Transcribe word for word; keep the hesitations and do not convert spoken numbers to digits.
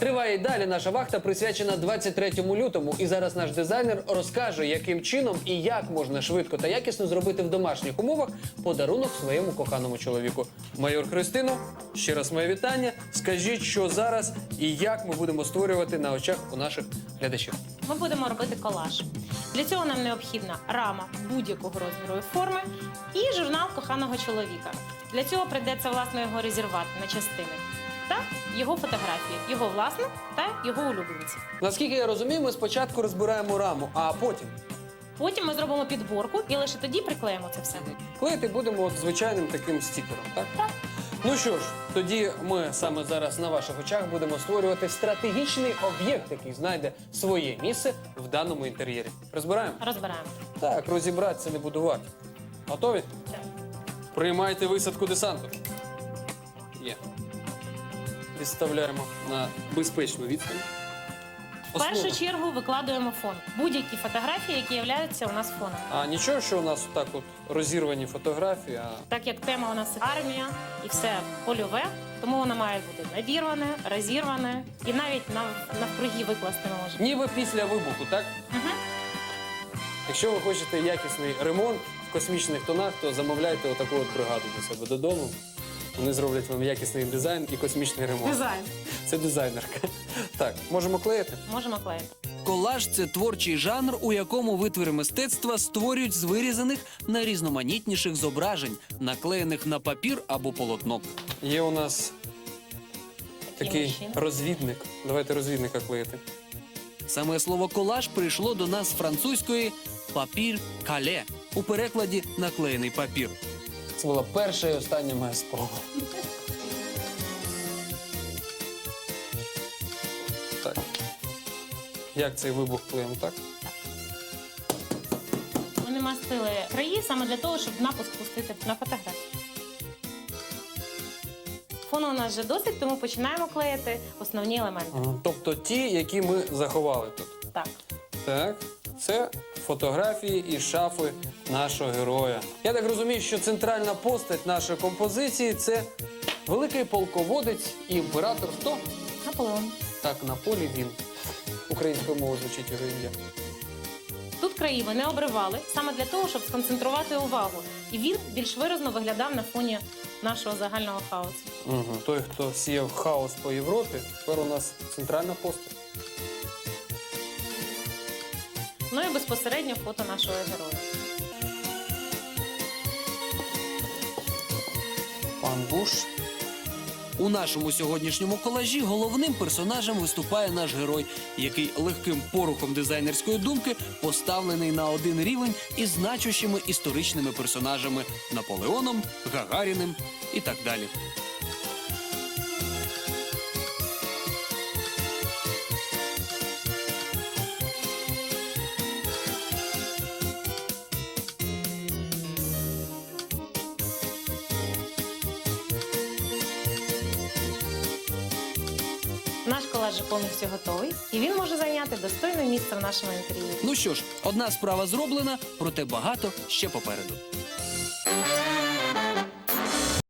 Триває й далі наша вахта, присвячена двадцять третьому лютому. І зараз наш дизайнер розкаже, яким чином і як можна швидко та якісно зробити в домашніх умовах подарунок своєму коханому чоловіку. Майор Христино, ще раз моє вітання. Скажіть, що зараз і як ми будемо створювати на очах у наших глядачів. Ми будемо робити колаж. Для цього нам необхідна рама будь-якого розміру і форми і журнал коханого чоловіка. Для цього прийдеться, власне, його розірвати на частини. Та його фотографії, його власне та його улюбленці. Наскільки я розумію, ми спочатку розбираємо раму, а потім Потім ми зробимо підборку і лише тоді приклеїмо це все. клеїти будемо от звичайним таким стікером, так? Так. Ну що ж, тоді ми саме зараз на ваших очах будемо створювати стратегічний об'єкт, який знайде своє місце в даному інтер'єрі. Розбираємо? Розбираємо. Так, розібратися, не будувати. Готові? Так. Приймайте висадку десанту. Є. Відставляємо на безпечну відстань. В першу чергу викладуємо фон. Будь-які фотографії, які являються у нас фоном. А нічого, що у нас так от розірвані фотографії, а Так як тема у нас армія і все польове, тому воно має бути надірване, розірване і навіть нав- навкруги викласти не може. ніби після вибуху, так? Угу. Якщо ви хочете якісний ремонт в космічних тонах, то замовляйте отаку от бригаду до себе додому. Вони зроблять вам якісний дизайн і космічний ремонт. Дизайн. Це дизайнерка. Так, можемо клеїти? Можемо клеїти. Колаж – це творчий жанр, у якому витвори мистецтва створюють з вирізаних найрізноманітніших зображень, наклеєних на папір або полотно. Є у нас такий мужчина. розвідник. Давайте розвідника клеїти. Саме слово «колаж» прийшло до нас з французької «папір кале» у перекладі «наклеєний папір». Це була перша і остання моя спроба. Так. Як цей вибух клеїмо, так? Ми намастили краї саме для того, щоб напуск пустити на фотографію. Фону у нас вже досить, тому починаємо клеїти основні елементи. Ага. Тобто ті, які ми заховали тут. Так. Так, це фотографії із шафи нашого героя. Я так розумію, що центральна постать нашої композиції – це великий полководець і імператор. Хто? Наполеон. Так, на полі він. Українською мовою звучить його ім'я. Тут краї ми не обривали, саме для того, щоб сконцентрувати увагу. І він більш виразно виглядав на фоні нашого загального хаосу. Угу. Той, хто сіяв хаос по Європі, тепер у нас центральна постать. Ну і безпосередньо фото нашого героя. Пан Буш. У нашому сьогоднішньому колажі головним персонажем виступає наш герой, який легким порухом дизайнерської думки поставлений на один рівень із значущими історичними персонажами – Наполеоном, Гагаріним і так далі. Наш колаж вже повністю готовий, і він може зайняти достойне місце в нашому інтер'єрі. Ну що ж, одна справа зроблена, проте багато ще попереду.